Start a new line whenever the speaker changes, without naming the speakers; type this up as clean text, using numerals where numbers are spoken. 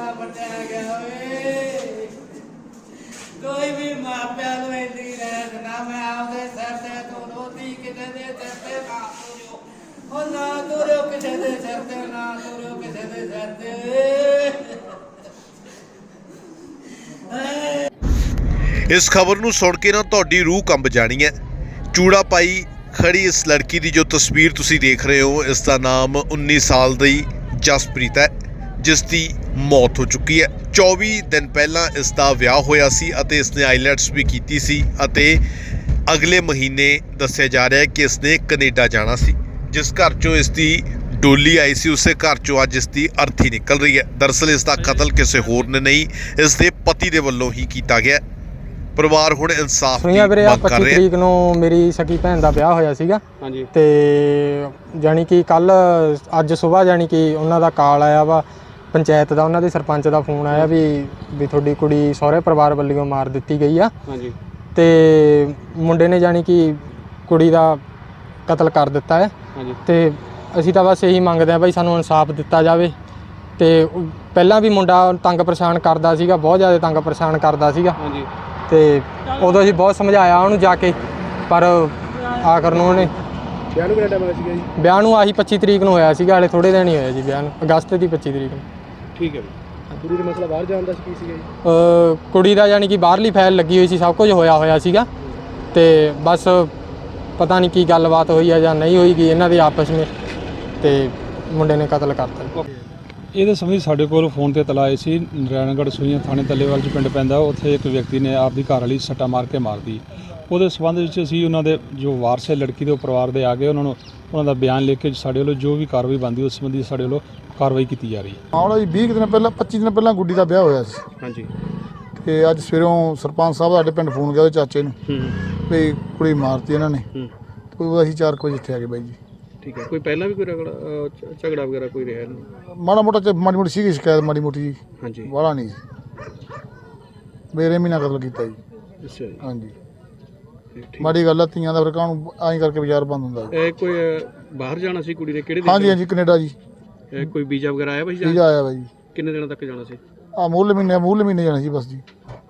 ਪਟਿਆ ਗਿਆ ਓਏ ਕੋਈ ਵੀ ਮਾਪਿਆਂ ਨੂੰ ਇੰਨੀ ਰਹਿਤ ਨਾ ਮੈਂ ਆਪਦੇ ਸਿਰ ਤੇ ਤੋਂ ਰੋਟੀ ਕਿਸੇ ਦੇ ਸਿਰ ਤੇ ਨਾ ਤੁਰਿਓ ਉਹ ਨਾ ਤੁਰਿਓ ਕਿਸੇ ਦੇ ਸਿਰ ਤੇ ਨਾ ਤੁਰਿਓ ਕਿਸੇ ਦੇ ਸਿਰ ਤੇ।
ਇਸ ਖਬਰ ਨੂੰ ਸੁਣ ਕੇ ਨਾ ਤੁਹਾਡੀ ਰੂਹ ਕੰਬ ਜਾਣੀ ਹੈ। ਚੂੜਾ ਪਾਈ ਖੜੀ ਇਸ ਲੜਕੀ ਦੀ ਜੋ ਤਸਵੀਰ ਤੁਸੀਂ ਦੇਖ ਰਹੇ ਹੋ, ਇਸ ਦਾ ਨਾਮ 19 ਸਾਲ ਦੀ ਜਸਪ੍ਰੀਤ ਹੈ, ਜਿਸ ਦੀ ਮੌਤ ਹੋ ਚੁੱਕੀ ਹੈ। 24 ਦਿਨ ਪਹਿਲਾਂ ਇਸ ਦਾ ਵਿਆਹ ਹੋਇਆ ਸੀ ਅਤੇ ਇਸਨੇ ਆਈਲੈਟਸ ਵੀ ਕੀਤੀ ਸੀ ਅਤੇ ਅਗਲੇ ਮਹੀਨੇ ਦੱਸਿਆ ਜਾ ਰਿਹਾ ਹੈ ਕਿ ਇਸਨੇ ਕੈਨੇਡਾ ਜਾਣਾ ਸੀ। ਜਿਸ ਘਰ 'ਚੋਂ ਇਸ ਦੀ ਡੋਲੀ ਆਈ ਸੀ ਉਸੇ ਘਰ 'ਚੋਂ ਅੱਜ ਇਸ ਦੀ ਅਰਥੀ ਨਿਕਲ ਰਹੀ ਹੈ। ਦਰਅਸਲ ਇਸ ਦਾ ਕਤਲ ਕਿਸੇ ਹੋਰ ਨੇ ਨਹੀਂ, ਇਸ ਦੇ ਪਤੀ ਦੇ ਵੱਲੋਂ ਹੀ ਕੀਤਾ ਗਿਆ। ਪਰਿਵਾਰ ਹੁਣ ਇਨਸਾਫ ਦੀ ਮੰਗ ਕਰ ਰਿਹਾ।
25 ਤਰੀਕ ਨੂੰ ਮੇਰੀ ਸਕੀ ਭੈਣ ਦਾ ਵਿਆਹ ਹੋਇਆ ਸੀਗਾ ਤੇ ਜਾਣੀ ਕਿ ਕੱਲ ਅੱਜ ਸਵੇਰ ਜਾਣੀ ਕਿ ਉਹਨਾਂ ਦਾ ਕਾਲ ਆਇਆ ਵਾ ਪੰਚਾਇਤ ਦਾ, ਉਹਨਾਂ ਦੇ ਸਰਪੰਚ ਦਾ ਫੋਨ ਆਇਆ ਵੀ ਤੁਹਾਡੀ ਕੁੜੀ ਸਹੁਰੇ ਪਰਿਵਾਰ ਵੱਲੋਂ ਮਾਰ ਦਿੱਤੀ ਗਈ ਆ ਤੇ ਮੁੰਡੇ ਨੇ ਜਾਣੀ ਕਿ ਕੁੜੀ ਦਾ ਕਤਲ ਕਰ ਦਿੱਤਾ ਹੈ ਤੇ ਅਸੀਂ ਤਾਂ ਬਸ ਇਹੀ ਮੰਗਦੇ ਆ ਭਾਈ ਸਾਨੂੰ ਇਨਸਾਫ ਦਿੱਤਾ ਜਾਵੇ। ਤੇ ਪਹਿਲਾਂ ਵੀ ਮੁੰਡਾ ਤੰਗ ਪਰੇਸ਼ਾਨ ਕਰਦਾ ਸੀਗਾ, ਬਹੁਤ ਜ਼ਿਆਦਾ ਤੰਗ ਪਰੇਸ਼ਾਨ ਕਰਦਾ ਸੀਗਾ ਤੇ ਉਦੋਂ ਅਸੀਂ ਬਹੁਤ ਸਮਝਾਇਆ ਉਹਨੂੰ ਜਾ ਕੇ, ਪਰ ਆਖਰ ਨੂੰ ਉਹਨੇ ਵਿਆਹ ਨੂੰ ਆਹੀ 25 ਤਰੀਕ ਨੂੰ ਹੋਇਆ ਸੀਗਾ, ਹਾਲੇ ਥੋੜੇ ਦਿਨ ਹੀ ਹੋਇਆ ਜੀ ਵਿਆਹ ਨੂੰ, ਅਗਸਤ ਦੀ 25 ਤਰੀਕ ਨੂੰ।
ਠੀਕ ਹੈ ਜੀ। ਕੁੜੀ ਦਾ ਮਸਲਾ ਬਾਹਰ ਜਾਣ ਦਾ ਕੀ ਸੀਗਾ ਜੀ?
ਕੁੜੀ ਦਾ ਯਾਨੀ ਕਿ ਬਾਹਰਲੀ ਫਾਈਲ ਲੱਗੀ ਹੋਈ ਸੀ, ਸਭ ਕੁਝ ਹੋਇਆ ਸੀਗਾ ਤੇ ਬਸ ਪਤਾ ਨਹੀਂ ਕੀ ਗੱਲਬਾਤ ਹੋਈ ਹੈ ਜਾਂ ਨਹੀਂ ਹੋਈਗੀ ਇਹਨਾਂ ਦੇ ਆਪਸ ਵਿੱਚ ਤੇ ਮੁੰਡੇ ਨੇ ਕਤਲ ਕਰਤਾ।
ਇਹਦੇ ਸੰਬੰਧੀ ਸਾਡੇ ਕੋਲ ਫੋਨ ਤੇ ਇਤਲਾਹ ਆਈ ਸੀ, ਨਰਾਇਣਗੜ੍ਹ ਸੂਈਆਂ ਥਾਣੇ ਤੱਲੇਵਾਲ 'ਚ ਪਿੰਡ ਪੈਂਦਾ, ਉੱਥੇ ਇੱਕ ਵਿਅਕਤੀ ਨੇ ਆਪਦੀ ਘਰ ਵਾਲੀ ਸੱਟਾ ਮਾਰ ਕੇ ਮਾਰਤੀ। ਉਹਦੇ ਸੰਬੰਧ ਵਿੱਚ ਅਸੀਂ ਉਹਨਾਂ ਦੇ ਜੋ ਵਾਰਸ ਹੈ ਲੜਕੀ ਦੇ ਪਰਿਵਾਰ ਦੇ ਆ ਗਏ, ਉਹਨਾਂ ਦਾ ਬਿਆਨ ਲਿਖ ਕੇ ਸਾਡੇ ਵੱਲੋਂ ਜੋ ਵੀ ਕਾਰਵਾਈ ਬਣਦੀ ਉਸ ਸੰਬੰਧੀ ਸਾਡੇ ਵੱਲੋਂ ਕਾਰਵਾਈ ਕੀਤੀ ਜਾ ਰਹੀ ਹੈ।
ਆਉਣਾ ਜੀ 20 ਦਿਨ ਪਹਿਲਾਂ 25 ਦਿਨ ਪਹਿਲਾਂ ਗੁੱਡੀ ਦਾ ਵਿਆਹ ਹੋਇਆ ਸੀ।
ਹਾਂਜੀ।
ਤੇ ਅੱਜ ਸਵੇਰੋਂ ਸਰਪੰਚ ਸਾਹਿਬ ਸਾਡੇ ਪਿੰਡ ਫੋਨ ਗਿਆ ਉਹਦੇ ਚਾਚੇ ਨੂੰ ਵੀ ਕੁੜੀ ਮਾਰਤੀ ਇਹਨਾਂ ਨੇ, ਤੇ ਅਸੀਂ 4 ਵਜੇ ਇੱਥੇ ਆ ਗਏ ਬਾਈ ਜੀ।
ਠੀਕ ਹੈ। ਕੋਈ ਪਹਿਲਾਂ ਵੀ ਕੋਈ ਝਗੜਾ ਵਗੈਰਾ ਕੋਈ ਰਿਹਾ ਨਹੀਂ?
ਮਾੜਾ ਮੋਟੀ ਸੀਗੀ ਸ਼ਿਕਾਇਤ, ਮਾੜੀ ਮੋਟੀ ਜੀ।
ਹਾਂਜੀ।
ਵਾਲਾ ਨਹੀਂ ਮੇਰੇ ਮਹੀਨਾ ਕਤਲ ਕੀਤਾ ਜੀ।
ਅੱਛਾ ਜੀ।
ਹਾਂਜੀ। ਮਾੜੀ ਗੱਲ ਆ, ਧੀਆਂ ਦਾ ਫਿਰ ਕਾਹਨੂੰ ਐਂ ਕਰਕੇ ਬਾਜ਼ਾਰ ਬੰਦ ਹੁੰਦਾ ਜੀ।
ਇਹ ਕੋਈ ਬਾਹਰ ਜਾਣਾ ਸੀ ਕੁੜੀ ਨੇ? ਕਿਹੜੇ?
ਹਾਂਜੀ ਕੈਨੇਡਾ ਜੀ।
ਕੋਈ ਵੀਜ਼ਾ ਵਗੈਰਾ ਆਇਆ ਭਾਈ?
ਵੀਜ਼ਾ ਆਇਆ ਬਾਈ ਜੀ।
ਕਿੰਨੇ ਦਿਨਾਂ ਤੱਕ ਜਾਣਾ ਸੀ?
ਮੂਲ ਮਹੀਨੇ ਜਾਣਾ ਸੀ ਬਸ ਜੀ।